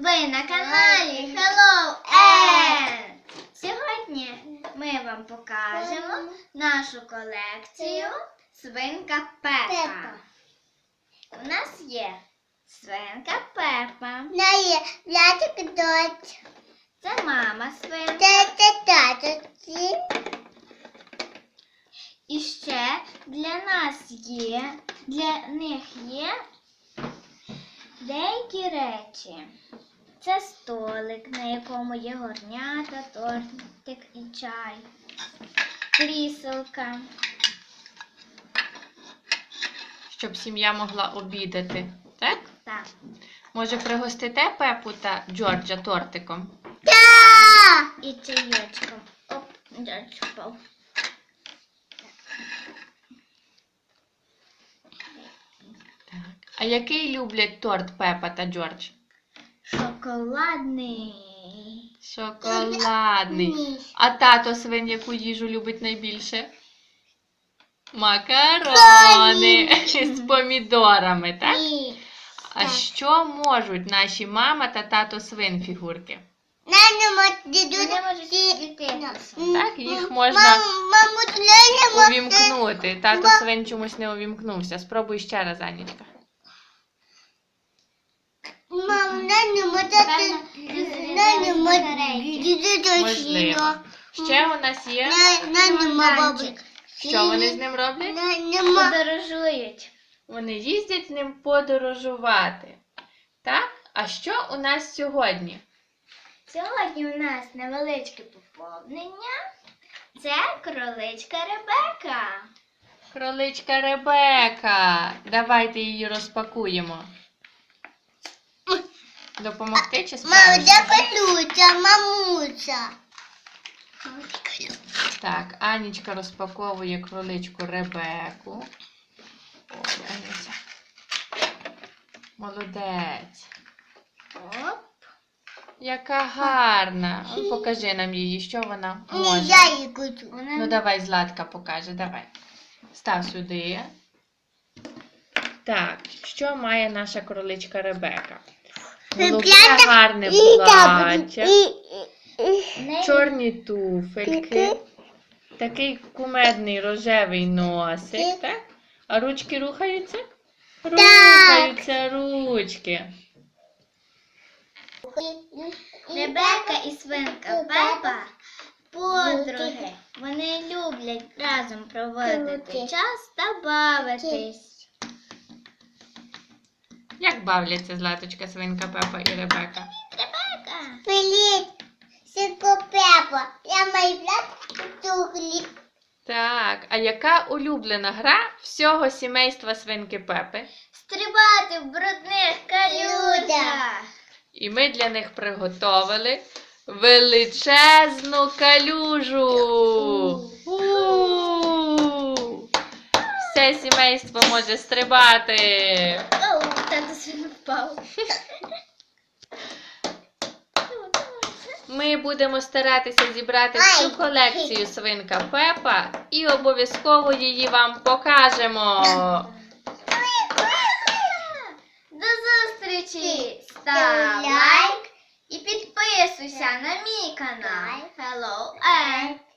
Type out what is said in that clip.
Ви на каналі Hello Ed! Сьогодні ми вам покажемо нашу колекцію Свинка Пепа. У нас є свинка Пепа. Це мама свинка. І ще для них є деякі речі. Це столик, на якому є горнята, тортик і чай, кріселка. Щоб сім'я могла обідати, так? Так. Може, пригостите Пепу та Джорджа тортиком? І чайочком. Оп, Джордж впав. Так. А який люблять торт Пепа та Джордж? Шоколадний. Шоколадний. А тато свин яку їжу любить найбільше? Макарони з помідорами, так? А що можуть наші мама та тато свин фігурки? Вони можуть світитися. Так, їх можна увімкнути. Тато свин чомусь не увімкнувся. Спробуй ще раз, Анічка. Можливо. Ще у нас є. Що вони з ним роблять? Подорожують. Вони їздять з ним подорожувати. Так? А що у нас сьогодні? Сьогодні у нас невеличке поповнення. Це кроличка Ребека. Кроличка Ребека. Давайте її розпакуємо. Допомогти чи справишся? Так, Анічка розпаковує кроличку Ребеку. Ой, Аніця. Молодець. Оп. Яка гарна. Покажи нам її, що вона може. Ну давай, Златка покаже, давай. Став сюди. Так, що має наша кроличка Ребека? Голубе гарне плаття, чорні туфельки, такий кумедний рожевий носик, так? А ручки рухаються? Рухаються ручки. Ребека і свинка Пепа подруги. Вони люблять разом проводити час та бавитись. Як бавляться Златочка, свинка Пепа і Ребека? Ребека! Привіт, свинко Пепа. Я майбла тухлі. Так, а яка улюблена гра всього сімейства свинки Пепи? Стрибати в брудних калюжах. І ми для них приготовили величезну калюжу. Все сімейство може стрибати. Оу, тато свин впав. Ми будемо старатися зібрати всю колекцію свинка Пепа і обов'язково її вам покажемо. До зустрічі! Став лайк і підписуйся на мій канал Hello Ed.